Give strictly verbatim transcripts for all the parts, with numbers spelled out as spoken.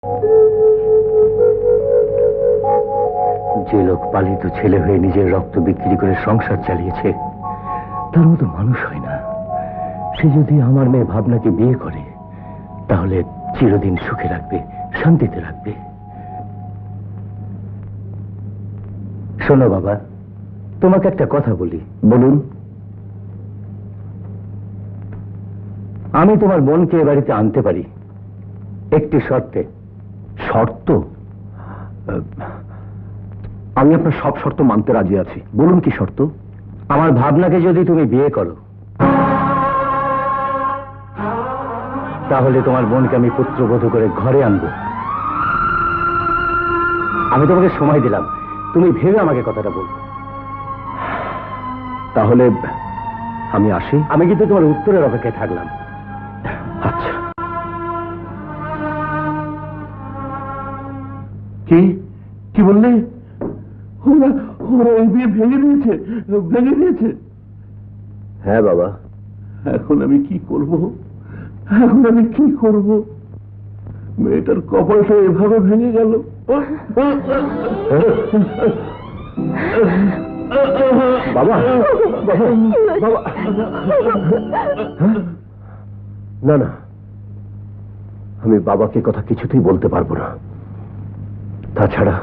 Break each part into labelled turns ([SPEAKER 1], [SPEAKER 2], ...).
[SPEAKER 1] যে লোক পালিত ছেলে হয়ে নিজের রক্ত বিক্রি করে সংসার চালিয়েছে তার মতো মানুষ হয় না। সে যদি আমার মেয়ে ভাবনাকে বিয়ে করে তাহলে চিরদিন সুখে রাখবে, শান্তিতে রাখবে। শোনো বাবা, তোমাকে একটা কথা বলি। বলুন। আমি তোমার বোনকে এ বাড়িতে আনতে পারি একটি শর্তে।
[SPEAKER 2] শর্ত? আমি আপনার সব শর্ত মানতে রাজি আছি, বলুন কি শর্ত?
[SPEAKER 1] আমার ভাবনাকে যদি তুমি বিয়ে করো তাহলে তোমার বোনকে আমি পুত্রবধূ করে ঘরে আনবো। আমি তোমাকে সময় দিলাম, তুমি ভেবে আমাকে কথাটা বল।
[SPEAKER 2] তাহলে আমি আসি?
[SPEAKER 1] আমি কিন্তু তোমার উত্তরের অপেক্ষায় থাকলাম।
[SPEAKER 2] আচ্ছা। কি কি বললে? ওরা ওরা এই বিয়ে ভেঙে দিয়েছে, ভেঙে দিয়েছে? হ্যাঁ বাবা। এখন আমি কি করব? এখন আমি কি করব? মেয়েটার কপালটা এভাবে ভেঙে গেল। বাবা, বাবা, না না, আমি বাবাকে কথা কিছুতেই বলতে পারবো না। তাছাড়া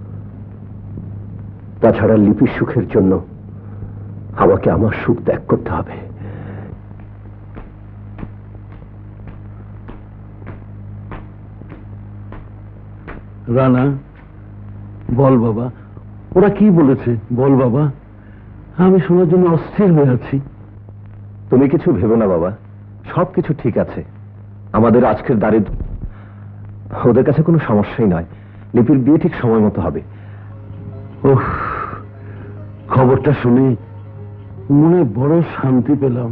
[SPEAKER 2] তাছাড়া লিপির সুখের জন্য আমাকে আমার সুখ ত্যাগ করতে হবে।
[SPEAKER 3] রানা, বল বাবা, ওরা কি বলেছে বল বাবা, আমি শোনার জন্য অস্থির হয়ে আছি।
[SPEAKER 2] তুমি কিছু ভেবো না বাবা, সবকিছু ঠিক আছে। আমাদের আজকের দারিদ্র ওদের কাছে কোনো সমস্যাই নয়। লিপির বিয়ে ঠিক সময় মতো হবে।
[SPEAKER 3] ওহ, খবরটা শুনে মনে বড় শান্তি পেলাম।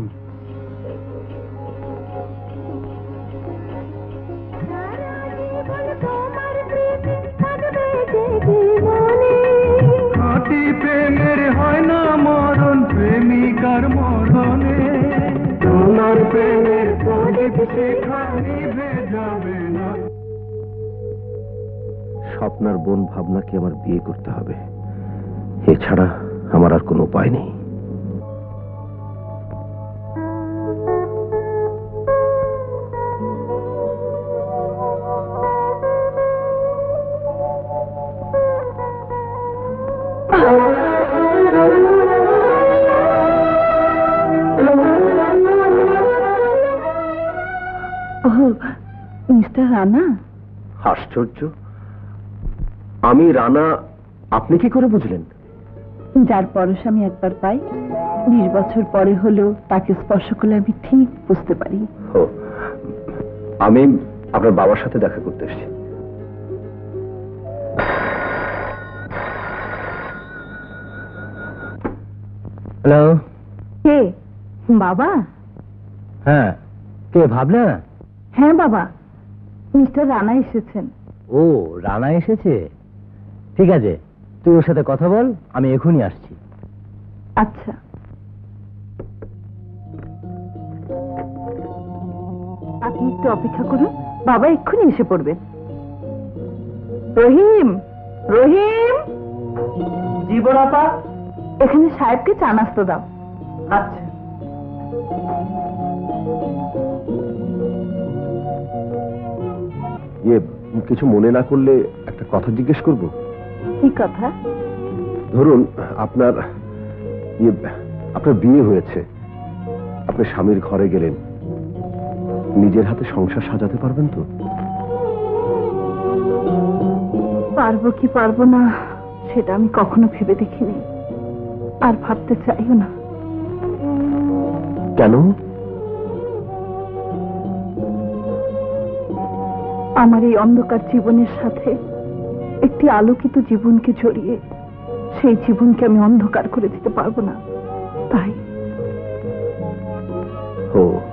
[SPEAKER 4] প্রেমের হয় না মরণ, প্রেমিকার মরণে তোমার প্রেমের প্রদীপ শিখা নিভে যাবে না।
[SPEAKER 2] স্বপ্নার বোন ভাবনাকে আমার বিয়ে করতে হবে, এছাড়া আমার আর কোনো উপায় নেই।
[SPEAKER 5] মিস্টার রানা?
[SPEAKER 2] আশ্চর্য, আমি রানা আপনি কি করে বুঝলেন?
[SPEAKER 5] যার পরশ আমি একবার পাই, বিশ বছর পরে হলেও তাকে স্পর্শ করলে আমি ঠিক বুঝতে পারি।
[SPEAKER 2] ও, আমি আপনার বাবার সাথে দেখা করতে এসেছি।
[SPEAKER 1] হ্যালো।
[SPEAKER 5] কে বাবা?
[SPEAKER 1] হ্যাঁ, কে ভাবনা?
[SPEAKER 5] হ্যাঁ বাবা, মিস্টার রানা এসেছেন।
[SPEAKER 1] ও, রানা এসেছে? ঠিক আছে, তুই ওর সাথে কথা বল, আমি এখনই আসছি।
[SPEAKER 5] আচ্ছা। আপনি একটু অপেক্ষা করুন, বাবা এক্ষুনি এসে পড়বেন। রহিম, রহিম।
[SPEAKER 6] জীবন আপা,
[SPEAKER 5] এখানে সাহেবকে চা নাস্তা দাও।
[SPEAKER 6] আচ্ছা।
[SPEAKER 2] ইয়ে, কিছু মনে না করলে একটা কথা জিজ্ঞেস করব।
[SPEAKER 5] কি কথা?
[SPEAKER 2] ধরুন আপনার ইয়ে আপনার বিয়ে হয়েছে, আপনি স্বামীর ঘরে গেলেন, নিজের হাতে সংসার সাজাতে পারবেন তো?
[SPEAKER 5] পারবো কি পারবো না সেটা আমি কখনো ভেবে দেখিনি, আর ভাবতে চাইও না।
[SPEAKER 2] কেন?
[SPEAKER 5] আমার এই অন্ধকার জীবনের সাথে একটি আলোকিত জীবনকে জড়িয়ে সেই জীবনকে আমি অন্ধকার করে দিতে পারবো না, তাই।
[SPEAKER 2] ও